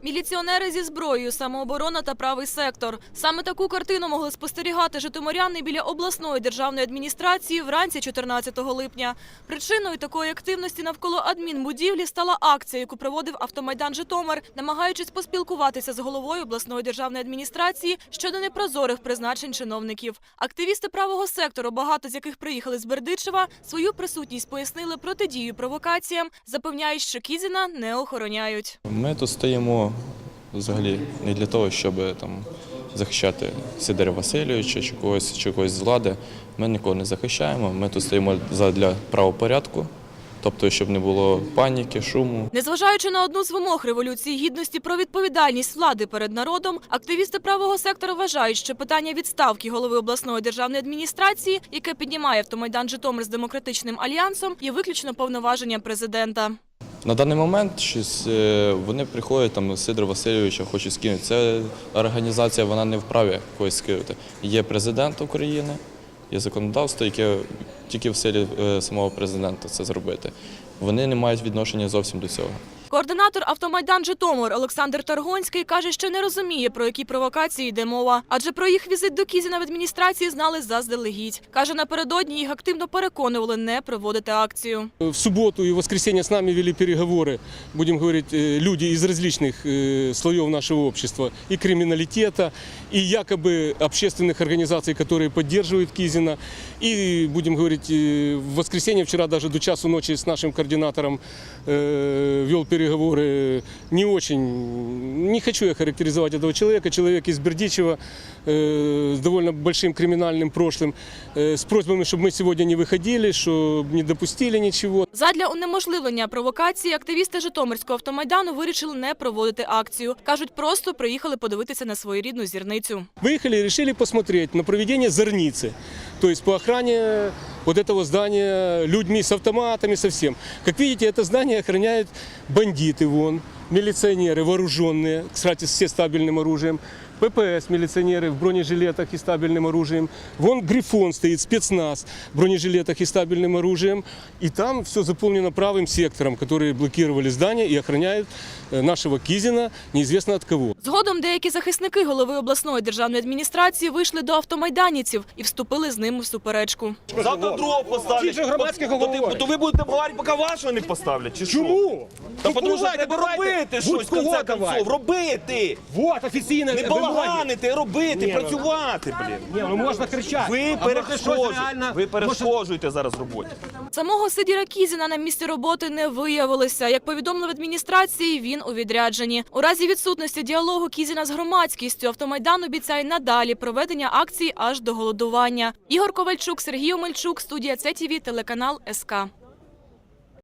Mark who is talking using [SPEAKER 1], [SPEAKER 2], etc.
[SPEAKER 1] Міліціонери зі зброєю, самооборона та правий сектор. Саме таку картину могли спостерігати житомиряни біля обласної державної адміністрації вранці 14 липня. Причиною такої активності навколо адмінбудівлі стала акція, яку проводив Автомайдан Житомир, намагаючись поспілкуватися з головою обласної державної адміністрації щодо непрозорих призначень чиновників. Активісти правого сектору, багато з яких приїхали з Бердичева, свою присутність пояснили протидію провокаціям, запевняють, що Кізіна не охороняють.
[SPEAKER 2] Ми тут стоїмо взагалі не для того, щоб захищати Сидора Васильовича чи когось з влади. Ми нікого не захищаємо, ми тут стоїмо для правопорядку. Тобто, щоб не було паніки, шуму.
[SPEAKER 1] Незважаючи на одну з вимог Революції Гідності про відповідальність влади перед народом, активісти правого сектору вважають, що питання відставки голови обласної державної адміністрації, яке піднімає Автомайдан Житомир з Демократичним альянсом, є виключно повноваженням президента.
[SPEAKER 2] На даний момент вони приходять, Сидора Васильовича хочуть скинути. Ця організація, вона не вправі когось скинути. Є президент України, є законодавство, яке тільки в силі самого президента це зробити. Вони не мають відношення зовсім до цього.
[SPEAKER 1] Координатор Автомайдан Житомир Олександр Таргонський каже, що не розуміє, про які провокації йде мова. Адже про їх візит до Кізіна в адміністрації знали заздалегідь. Каже, напередодні їх активно переконували не проводити акцію.
[SPEAKER 3] В суботу и воскресенье с нами вели переговоры, будем говорить, люди из различных слоев нашего общества, и криминалитета, и якобы общественных организаций, которые поддерживают Кизина. И, будем говорить, в воскресенье вчера даже до часу ночи с нашим координатором вел переговоры. Не очень, не хочу я характеризовать этого человека. Человек из Бердичева с довольно большим криминальным прошлым, с просьбами, чтобы мы сегодня не выходили, чтобы не допустили ничего.
[SPEAKER 1] Задля унеможливлення провокації активісти Житомирського автомайдану вирішили не проводити акцію. Кажуть, просто приїхали подивитися на своєрідну зірницю.
[SPEAKER 3] Выехали и решили посмотреть на проведение зорницы, то есть по охране вот этого здания людьми с автоматами, со всем. Как видите, это здание охраняют бандиты, милиционеры вооруженные, кстати, все стабильным оружием. ППС, милиционеры в бронежилетах и стабильным оружием. Вон Грифон стоит, спецназ в бронежилетах и стабильным оружием. И там все заполнено правым сектором, которые блокировали здание и охраняют нашего Кизина неизвестно от кого.
[SPEAKER 1] Згодом деякі захисники голови обласної державної адміністрації вийшли до автомайданівців і вступили з ними в суперечку.
[SPEAKER 4] Завтра другого поставлять. То ви будете говорити, поки вашого не поставлять, чи що?
[SPEAKER 3] Чому?
[SPEAKER 4] Та тому що треба робити щось, в конце концов. Робити!
[SPEAKER 3] Вот, офіційне.
[SPEAKER 4] Не балаганити, робити, працювати, блін.
[SPEAKER 3] Ні, ну можна кричати.
[SPEAKER 4] Ви перешкоджуєте зараз роботі.
[SPEAKER 1] Самого Сидора Кізіна на місці роботи не виявилося. Як повідомили в адміністрації, він у відрядженні. У разі відсутності діалогу Кізіна з громадськістю Автомайдан обіцяє надалі проведення акції аж до голодування. Ігор Ковальчук, Сергій Омельчук, студія ЦТВ, телеканал СК.